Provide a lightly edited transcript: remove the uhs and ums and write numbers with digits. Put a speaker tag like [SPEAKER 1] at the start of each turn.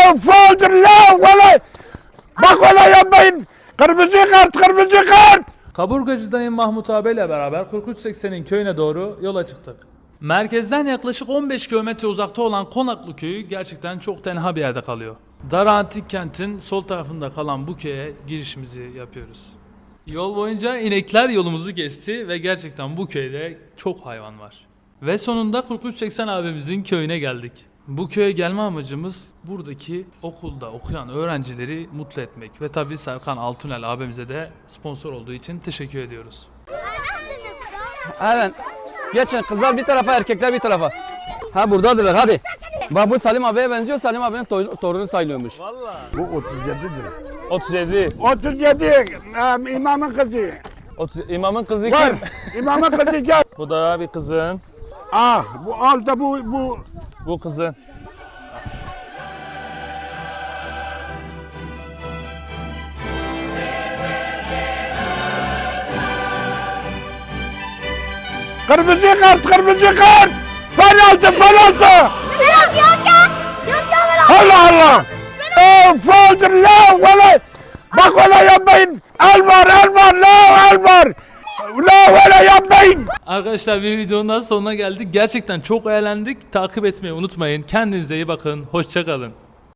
[SPEAKER 1] Fauldur la valla. Bak öyle yapmayın. Kırmızı kart, kırmızı kart.
[SPEAKER 2] Kaburgacı dayım Mahmut abiyle beraber 4380'in köyüne doğru yola çıktık. Merkezden yaklaşık 15 kilometre uzakta olan Konaklı köyü gerçekten çok tenha bir yerde kalıyor. Dara Antik Kent'in sol tarafında kalan bu köye girişimizi yapıyoruz. Yol boyunca inekler yolumuzu kesti ve gerçekten bu köyde çok hayvan var. Ve sonunda 4380 abimizin köyüne geldik. Bu köye gelme amacımız buradaki okulda okuyan öğrencileri mutlu etmek. Ve tabii Serkan Altunel abimize de sponsor olduğu için teşekkür ediyoruz.
[SPEAKER 3] Evet. Geçin kızlar bir tarafa, erkekler bir tarafa. Ha buradadırlar hadi. Bak bu Salim abiye benziyor. Salim abinin torunu sayılıyormuş.
[SPEAKER 2] Vallahi.
[SPEAKER 1] Bu 37'dir.
[SPEAKER 2] 37.
[SPEAKER 1] 37 imamın kızı.
[SPEAKER 2] 30, imamın kızı
[SPEAKER 1] Var.
[SPEAKER 2] kim?
[SPEAKER 1] İmamın kızı gel.
[SPEAKER 2] Bu da bir kızın.
[SPEAKER 1] Ah bu altta bu.
[SPEAKER 2] Bu kızın.
[SPEAKER 1] Kırmızı kart, kırmızı kart. Penaltı, penaltı.
[SPEAKER 4] Penaltı yok ya. Yok ya penaltı.
[SPEAKER 1] Allah Allah. Fauldur la valla. Bak öyle yapmayın. El var, el var, la el var. La öyle yapmayın.
[SPEAKER 2] Arkadaşlar bir videonun daha sonuna geldik. Gerçekten çok eğlendik. Takip etmeyi unutmayın. Kendinize iyi bakın. Hoşça kalın.